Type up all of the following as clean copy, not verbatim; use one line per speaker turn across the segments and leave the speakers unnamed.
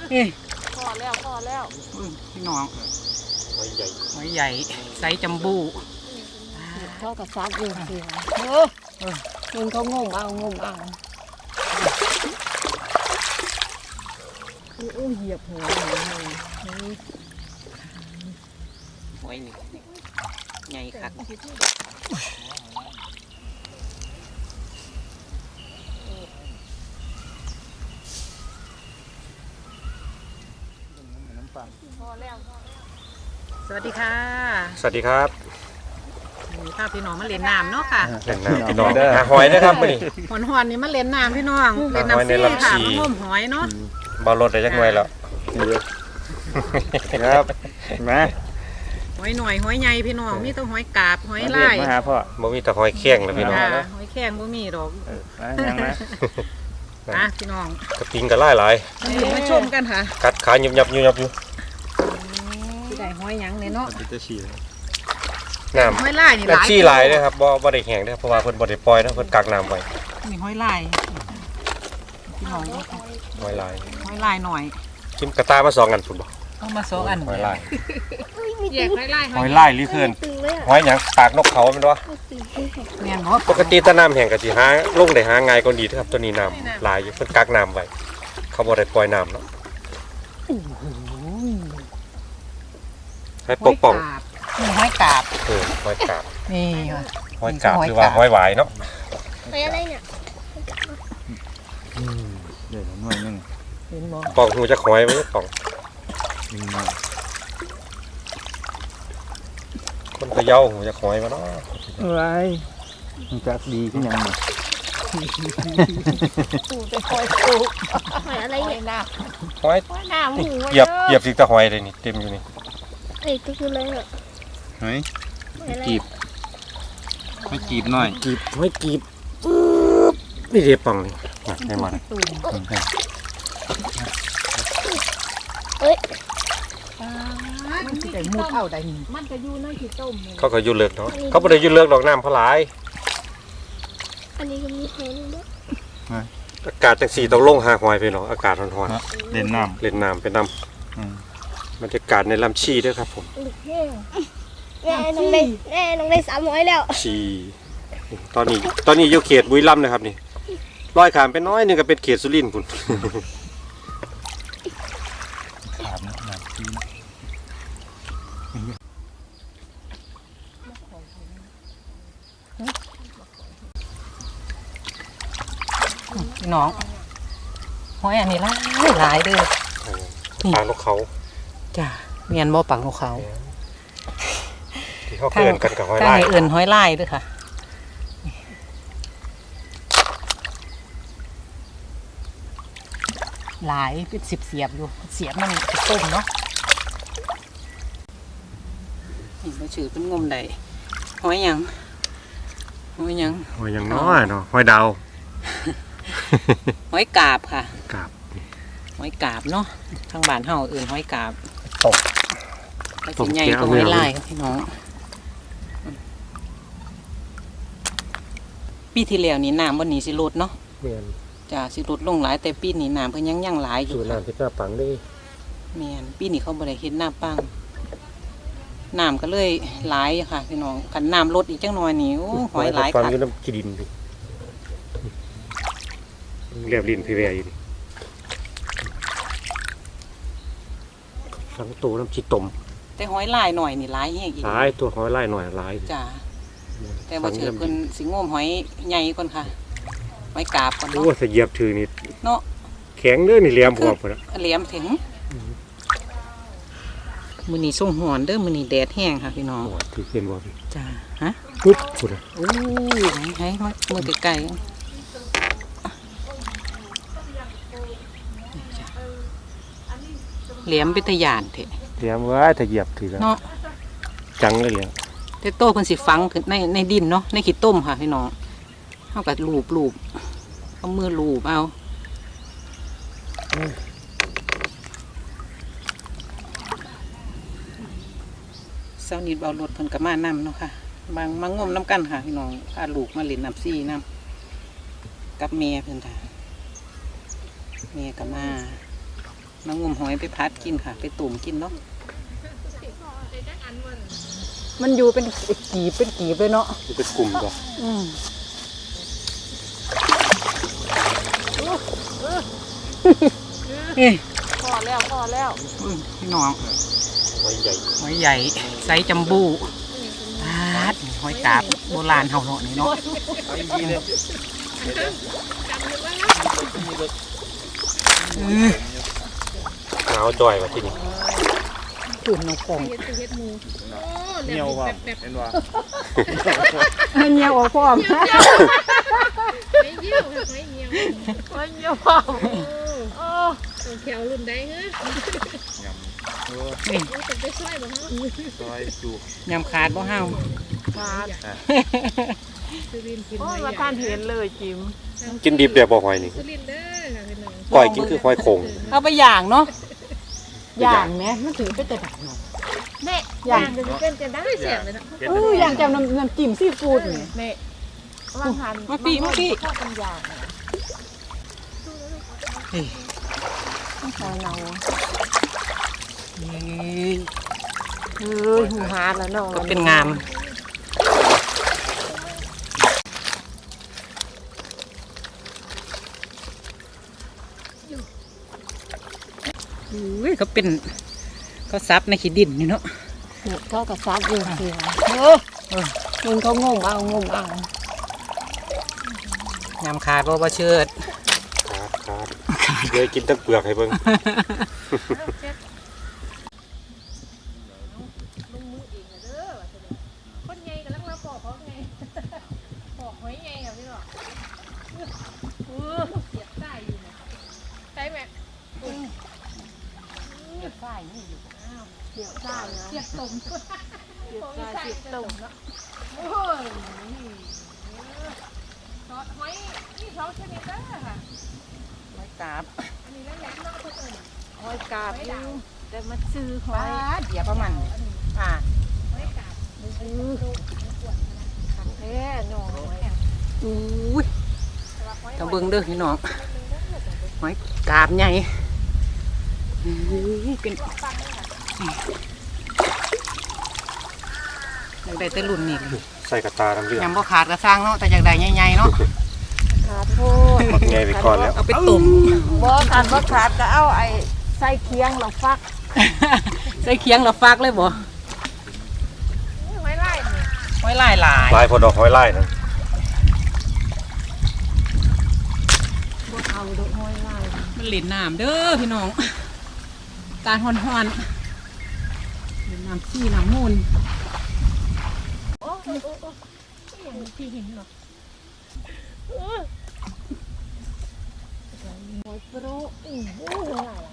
พอแล้ว
พี่น้อง
หอยใหญ่
หอยใหญ่ไซส์จัมโบ้
พ่อกับซัดอยู่สิมึงเขางมเอาเหยียบหัว
หอยนี่ใหญ่คักสวัสดีค่ะ
สวัสดีครับ
มีภาพพี่น้องมาเล่นน้ำเนาะค่ะ
เล่นน้ำพี่น้องหาหอยนะครับมาดิ
หอนนี่มาเล่นน้ำพี่น้องเล่นน้ำซี่ค่ะมางมหอยเนาะ
บอลรถได้จักหน่อยแล้วครับมา
หอยหน่อยหอยใหญ่พี่น้องมีต้องหอยกาบหอยลาย
มาหาพ่อบ่มีแต่หอยแข้งแล้วพี่น้อง
หอยแข้งบ่มีดอกพี่น้อง
กระปิงกระไล่หลาย
มาชมกันค่ะ
กัดขาหยับอยู่
ที่ได้หอยยังเลยเนาะ
น้ำ
หอยลายนี่หลาย
ชี้ลายเลยครับบ่ได้แห้งนะครับเพราะว่าเพิ่นบ่ได้ปล่อยนะเพิ่นกักน้ำไว้
นี่หอยลายพี่น้อง
หอยลาย
หน่อย
กินกระตามา2อันพุ่นบ่
เอามา2อัน
หอยลาย
แยกหอย
ลายหรือเพิ่นหอยหยังปากนกเขาแม่นบ่
แม่นบ่
ปกติตะน้ำแห้งก็สิหาลงได้หาง่ายกว่านี้ครับตัวนี้น้ำหลายอยู่เพิ่นกักน้ำไว้เขาบ่ได้ปล่อยน้ำเนาะให้ปกป้อง
นี่หอยกาบ
หอยกาบ
นี่ค่ะ
หอยกาบหรือว่าหอยหวายเนาะ
หอยอะไรเนี่ย
เดี๋ยวหน่อยนึง
เห็นบ่
ปองหูจะหอยไว้ปองคนพะเยาหูจะหอยมาเนาะ
อะไรมันจะดีขึ้นยังไง
ปูไปคอยปูหอยอะไรเนี่ย
หอย
น้ำหู
เหยียบสิตะหอยเลยนี่เต็มอยู่นี่
ก็คืออะไรเหรอ
หอยกีบหอยกีบหน่อย
หอยกีบนี่เรียบปังเลยได้มา
มันสิได้มุดเอาได้นี่มันจะอยู่ในขี้ต้ม
เขาก็อยู่เลือกเนาะเขาไม่ได้อยู่เลือกดอกน้ำเพราะหลาย
อันนี้ก็มีหอยด้วย
อากาศจังสีต้องลงหาหอยไปเนาะอากาศร้อน
ๆเล่นน้ำ
เป็นน้ำบรรยากาศในลำชีด้วยครับผม
แม่น้องได้300แล้ว
ชีตอนนี้อยู่เขตบุรีรัมย์นะครับนี่ลอยขามไปน้อยนึงก็เป็นเขตสุรินทร์คุณ
น้องหอยอันนี้หลายเด้อ
ปากนกเขา
จ้ะเมียนบ่ปากนกเขา
ที่เขาเกินกันกับหอยลาย
เอื่นหอยลายด้วยค่ะหลายเป็น10เสียบอยู่เสียบมันต้มเนาะนี่มาชื่อเป็นงมได้หอยยัง
น้อยเนาะหอยดาว
หอยกาบค่ะ
กาบ
หอยกาบเนาะทางบ้านเฮาอื่นหอยกาบ
ตก
ใหญ่กว่าหอยลายครับพี่น้องปีที่แล้วนี่น้ำวันนี้สิลดเนาะจ้าสิลดลงหลายแต่ปีนี้น้ำเพิ่นยังหลายอยู่
น้ำที่หน้าปังได้
แม่นปีนี้เขาบ่ได้เฮ็ดหน้าปังน้ำก็เลยหลายค่ะพี่น้องคันน้ำลดอีกจังหน่อยนี่โอ้หอยหลายค่ะ
อยู่น้ำขี้ดินเรียบลิ้นพี่แวอยู่นี่สังตัวน้ำชีต้ม
แต่หอยลายหน่อยนี่หลายแฮงอีก
หลายตัวหอยลายหน่อยหลาย
จ้าแต่บ่เชื่อเพิ่นสิงมหอยใหญ่ก่อนค่ะหอยกาบก่อนเนาะ
โอ้สิเหยียบถือนี่
เนาะ
แข็งเด้อนี่เหลี่ยมพวกพุ่นน่ะ
เหลี่ยมถึงมื้อนี้ส่งหอนเด้อมื้อนี้แดดแห้งค่ะพี่น้อง
โอ้ถือเป็นบ่พี่
จ้าฮะ
ปุ๊บพุ่นน่ะ
โอ้ยให้มือไกลๆเหลี่ยมเป็นตะยานเถอะ
เหลี่ยมไว้ถ้าเหยียบถือแล้ว
เนาะ
จังเลยเหลี่ยม
แต่โตเพิ่นสิฝังในดินเนาะในขี้ต้มค่ะพี่น้องเฮาก็ลูบเอามือลูบเอาเช้านี้เอารถเพิ่นก็มานำเนาะค่ะมางมน้ำกันค่ะพี่น้องพาลูกมาเล่นน้ำซี่น้ำกับแม่เพิ่นค่ะแม่ก็มามางมหอยไปพัดกินค่ะ ไปตุ่มกินเนาะมันอยู่เป็นกีบเลยเนาะ
เป็นกลุ่มก่อน
พอแล้ว
พี่น้อง
หอยใหญ่
หอยใหญ่ไซส์จัมบูพัดหอยกาบโบราณเฮาเนาะนี่เนาะ
เอาดีเลย
หนาวจ่อยมาที่นี่
ตื่นนกกง
เหนียวว่ะเห็นว่า
เงี้ยวพร้อม
ไม่เยี่ยวค่ะไม่เยี่ยว
มันเยอะพอโอ้
ตัวแถวรุ่นใดเฮ้ย
ยำ
นี่
จะไปช่วยบ่ฮะ
ซอยจู
ยำขาดบ่เฮา
ขาด
สุรินทร์กิน
โอ้
ไว้
มาทานเห็นเลยจิม
กินดิบเดี๋ยวบ่หอยนี่
สุรินทร์เด้อค่ะพี่น้อง
ก้อยกินคือหอยโข่ง
เอาไปย่างเนาะ
อย่างแม่มันถือเป็นแต่ดักเนาะ
แม่ย่างจะเป็นจะได้เสียงเลยนะ
อย่างจำน้ำจิ้มซีฟู้ดนี่แม่วางหันข้าวเป็นอย่าง
เฮ้ย
ใส่เรา
เฮ้ย
หูหาแล้วเนาะ
ก็เป็นงามอุ้ยเขาเป็นเขาซับในขี้ดินนี่เนาะ
เขากับซับอยู่สิมึงเขางมเอา
ยำขาดบ่เชิด
ขาดเลยกินตั้งเปลือกให้เบิ่ง
คนใหญ่กำลังมาปอกเขาไงปอกหอยใหญ่ค่ะพี่น้องเสียบใต้อยู่นะใช่ไหม
เก็บฝ้ายนี่อยู่
เกี่ยวซ่านะ
เสียบตุ่ม
เกี่ยวซ่าเกี่ยวตุ่ม
เนาะโอ้ยซอสหอยนี่ท้องชนิดเด้อค่ะ
หอยกาบ
อันนี้แล้วแหลมนอกคนอื่น
หอยกาบอยู่แต่มาซื้อหอ
ป้าย เดี๋ยวประมาณอ่า
หอยกาบ
แท้หน่อย
อุ้ยตะเบิงเด้อพี่น้องหอยกาบใหญ่เป็นอยากได้แต่รุ่นนี่เลย
ใส่กระตาน้ำเลือด
ยำบ่ขาดกระสร้างเนาะแต่อยากได้ใหญ่ๆเนาะ
ขาดโทษ
หมดไงไปก่อนแล้ว
เอาไปตุ่ม
บ่ขาดก็เอาไอ้ใส่เคียงเราฟัก
ใส่เคียงเราฟักเลยบ่
หอยไล่เนี่ย
หอยลายหลาย
ลายพอดอกหอยลายนะ
บ่เอาดอกหอยลาย
มันเหลินน้ำเด้อพี่น้องตาลฮ้อนๆเหลินน้ำซี่น้ำมูล
พี่เห็นหรอ
หอยโปรโอ้โหหลาย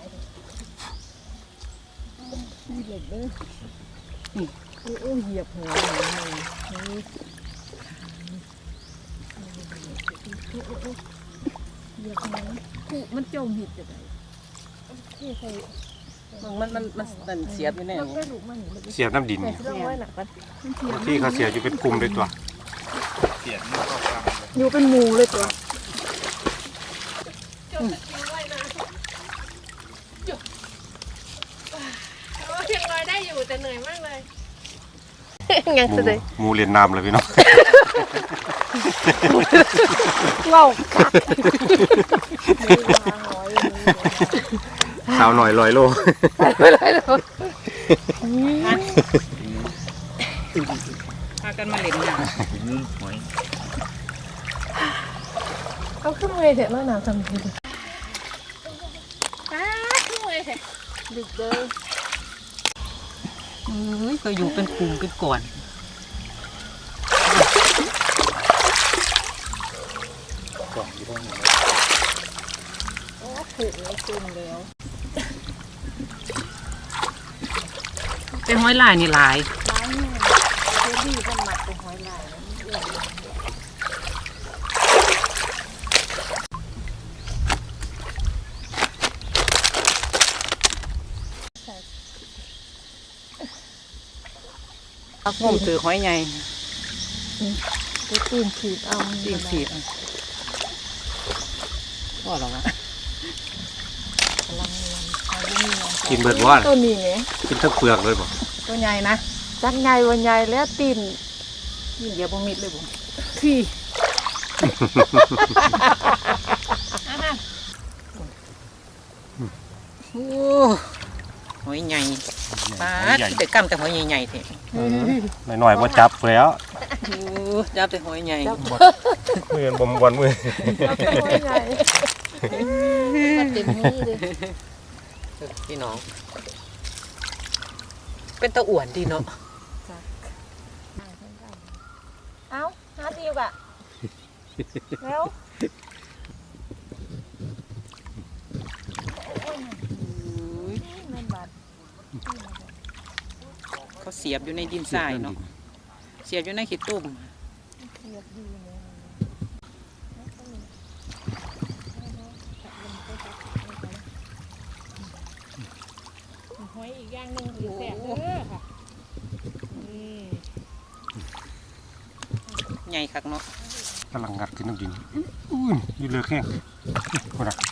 มีเด็กเด้อโอ้เหยียบหัวมันจมหิดจะได้ที่ใส่
มันเสียบอยู่แน่
มันก็ดุมัน
เสียบน้ำดิน
แต่เรื่องไว้หนักกัน
ที่เขาเสียบอยู่เป็นกลุ่มเลยตัว
เสียนมันก็ฟัง
อยู่เป็นหมูเลยตัว
เพียงลอยได้อยู่แต่เหนื่อยมากเลย
ยังจะได้
หมูเรียนน้ำเลยพี่น้อง
เว้า
สาวหน่อย100 โล
พากันมาเล่นน้
หอย
เอาขึ้นเลยเถอะแล้วหนาทำที
ป้าขึ้นเลยแท้
ดึกเด้อ
ำเอ้ยก็อยู่เป็นกลุ่มเป็นก่อน
โอ้ผูกแล้วซึมแล้ว
เป็นหอยลายนี่หลาย
ร้านเนี่ยเจดีกันหมัดเป็นหอยลาย
งมถือหอยใหญ่
ไปตีนขีดเอา
ตีนสีบก็หรอวะ
กำลังเรียน
กินเบิดว่า
ตัวนี้ไง
กินทั้งเปลือกเลยบ่
ตัวใหญ่นะจักใหญ่วันใหญ่แล้วตีนนี่เดี๋ยวบ่มิดเลยบ่ที่
โอ้หอยใหญ่ปลาแต่กำแต่หอยใหญ่ๆเถอะ
หน่อยๆบ่จับแล้ว
โอ้จับแต่หอยใหญ่
มือบ่ม่วนมือ
ตัวใหญ่
เต็มมือเลย
พี่น้องเป็นตะอ้วนดีเนาะ
เอ้าหาดีกว่าแล้ว
เขาเสียบอยู่ในดินทรายเนาะเสียบอยู่ในขี้ตุ่ม
หอยอีกอย่างหนึ่งคือแซ่บเด้อค่ะ
ใหญ่คักเนาะ
กำลังงัดขึ้นน้ำดินอุ้ยอยู่เลือกแห้งคนน่ะ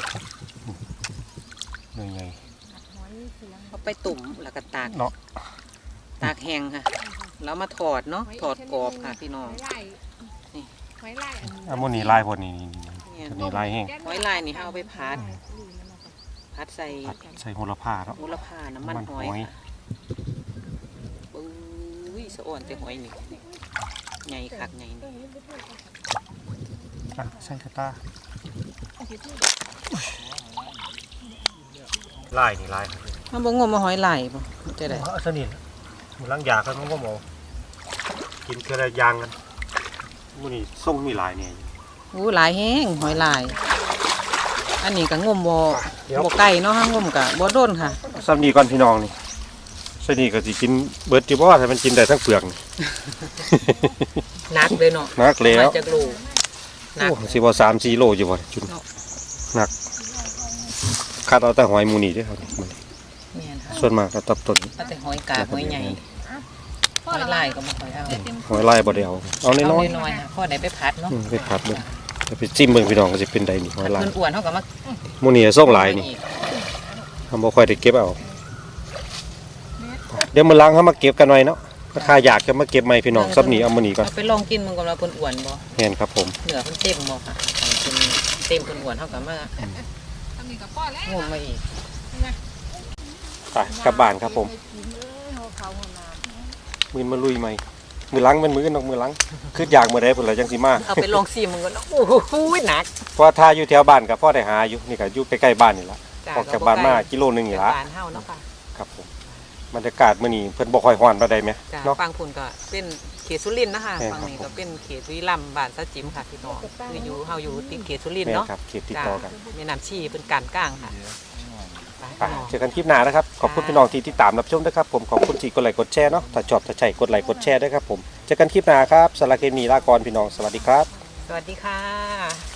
ใหญ่
เขาไปตุ่มแล้วก็ตาก
ๆเนาะ
ตากแห้งค่ะแล้วมาถอดเนาะถอดกรอบค่ะพี่น้อง
หอยลาย
นี่
หอยลายอันนี้
อันนี้ลายพอนี่
เนี่ย
ตัวนี้ลายแห้ง
หอยลายนี่เขาเอาไปพัดใส่
ใส่โหระพาเนาะ
มูลค่าน้ำมันหอยค่ะปุ้ยสะอ่อนแต่หอยนี่ใหญ่คักใหญ่นี่
ใส่กระตาลายนี่ลาย
มันบ่งมมาหอยลายบ่มันจะได้
สนิทมันล้างยาครับมันก็หมอกินเกลือยางกันมันนี่ส่งมีลายเนี่ย
อู้หลายแห้งหอยลาย อันนี้ก็งมบ่ไก่เนาะฮะงมก็บ่โดนค่ะ
ซ้ำนี่ก่อนพี่น้องนี่สนิทก็สิกินเบิดจิบ่ถ้ามันกินได้ทั้งเปลือกนี่
นักเลยเนาะ
นักแล้ว
มาจากโลนัก
โอ้สิบ่3-4 โลอยู่บ่จุน
เนาะ
หนักคัดเอาแต่หอยหมูนี่เด้อครับมัน
แม่นค่ะ
ส่วนมากก็ตับต้น
เอาแต่หอยกาบหอยใหญ่หอยลายก็บ่ค่อยเอา
หอยลายบ่ได้เอาเอา
เอา
น้อย
น้อยๆค่ะพอได้ไปพัดเนาะ
ๆไปผัดเบิ่งไปจิ้มเบิ่งพี่น้องก็สิเป็นใดนี่หอยลาย
เพิ่นอ้วนเฮาก็มา
หมูนี่ส่งหลายนี่ทำบ่ค่อยได้เก็บเอาเดี๋ยวมื้อหลังเฮามาเก็บกันหน่อยเนาะราคาอยากจะมาเก็บใหม่พี่น้องซับนี่เอามื้อนี้ก่อน
เอาไปลองกินมึงก่อนว่าเพิ่นอ้วนบ่
แม่นครับผม
เนื้อเพิ่นเต็มบ่ค่ะถ้าเพิ่นเต็มเพิ่นอ้วนเฮาก็มา
ทำนี่กับพ่อแล้ว
งมมาอีก
ไปกลับบ้านครับผมมื้อมาลุยใหม่มื้อหลังมันมื้อมือหลังคืออยากมื้อใดพุ่นล่ะจังสิมา
เอาไปลองซิมมึงก่อนเนาะโอ้โหหนัก
เพราะถ้าอยู่แถวบ้านก็พอได้หาอยู่นี่ก็อยู่ใกล้ๆบ้านนี่ล่ะออกจากบ้านมากิโลนึงนี่ล่ะ
บ้านเฮาเนาะค่ะ
ครับผมบรรยากาศมื้อนี้เพิ่นบ่ค่อยร้อนปานใดแหม
จ้ะ
เนาะ
ฟังพุ่นก็เป็นเขตสุรินทร์นะคะ
แม่น
ฝั่งนี้
ครับ
ก็เป็นเขตวิลัมย์บ้านสะจิมค่ะพี่น้องคืออยู่เฮาอยู่ติดเขตสุรินทร์
แม่น
เนาะ
ครับเขตติด
จ้ะ
ต่อกัน
แม่น้ำชีเป็นการกลางค่ะไป
ไป
พี่น้อง
เจอกันคลิปหน้านะครับขอบคุณพี่น้องที่ติดตามรับชมด้วยครับผมขอบคุณที่กดไลค์กดแชร์เนาะถ้าชอบถ้าใช่กดไลค์กดแชร์ด้วยครับผมเจอกันคลิปหน้าครับสารบเคมีลากรพี่น้องสวัสดีครับ
สวัสดีค่ะ